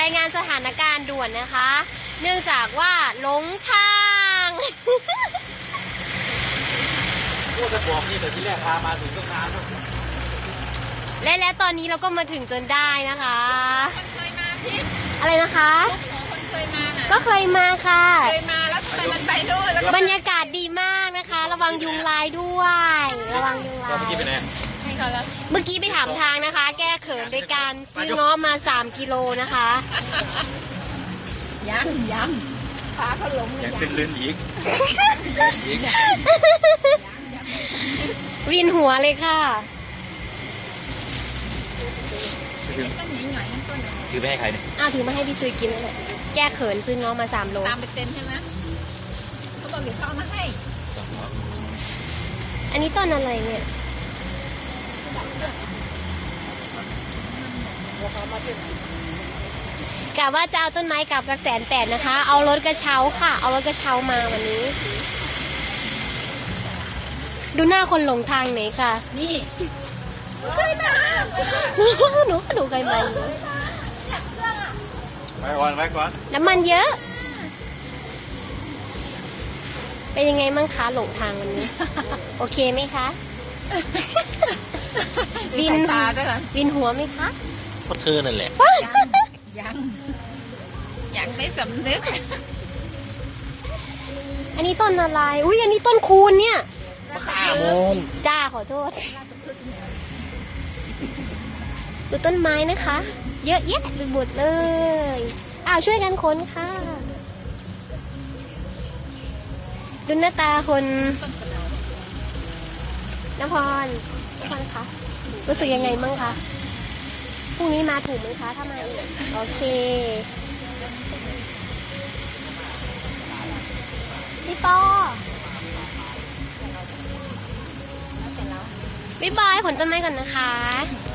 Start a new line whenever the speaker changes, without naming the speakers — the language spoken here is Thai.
ายงานสถานการณ์ด่วนนะคะ เนื่องจากว่าหลงทาง
พูดจะบอกนี่แต่ที่แรกพามาถึงต้องนาน
และตอนนี้เราก็มาถึงจนได้นะคะ
คนเคยมาสิ
อะไรนะคะ
คนเคยมาน่ะ
ก็เคยมาค่ะ
เคยมาแล้วทำไมมันไปด้วยแล้วก็
บรรยากาศดีมากนะคะ ระวังยุงลายด้วย ระวังยุงลา
เราเมื่อกี้
ย
ไปไหน
ให้เขาแล้ว
เมื่อกี้ไปถามทางนะคะ แก้เขินโดยการซื้อเงาะมา3 กิโลนะคะ
ย้ำพาเขาหลง
อย่างเส้นลื่นอีกอีก
วินหัวเลยค่ะ
ต้นหน่อยๆนั่นต้น
คือไม่ให้ใครเนี่ย
ถือมาให้พี่ซุยกินเลยแก้เขินซื้อเงาะมา3 โล
ตามไปเต็มใช่ไหมเขาบอกเดี๋ยวเขาเอามาให้
อันนี้ต้นอะไรเนี่ย กะว่าจะเอาต้นไม้กลับสัก180,000นะคะ เอารถกระเช้าค่ะ เอารถกระเช้ามาวันนี้ ดูหน้าคนหลงทางไหนค่ะ
นี่เคยมา
หนูก็ดูไกลมาอยู่
ไปก่อน
น้ำมันเยอะ เป็นยังไงมั่งคะหลงทางวันนี้ โอเคไหมคะ
ดินตาด้วยกัน
วินหัวไหมคะ
เพราะเธอนั่นแหละ
ยังไม่สำนึก
อันนี้ต้นอะไร อุ้ยอันนี้ต้นคูณเนี่ย
มะขามมูล
จ้าขอโทษ ดูต้นไม้นะคะ เยอะแยะไปหมดเลยช่วยกันค้นค่ะ ดูหน้าตาคนนพรคะรู้สึกยังไงบ้างคะพรุ่งนี้มาถูกไหมคะถ้ามาอีกโอเคพี่ปอบ๊ายบายผลต้นไม้ก่อนนะคะ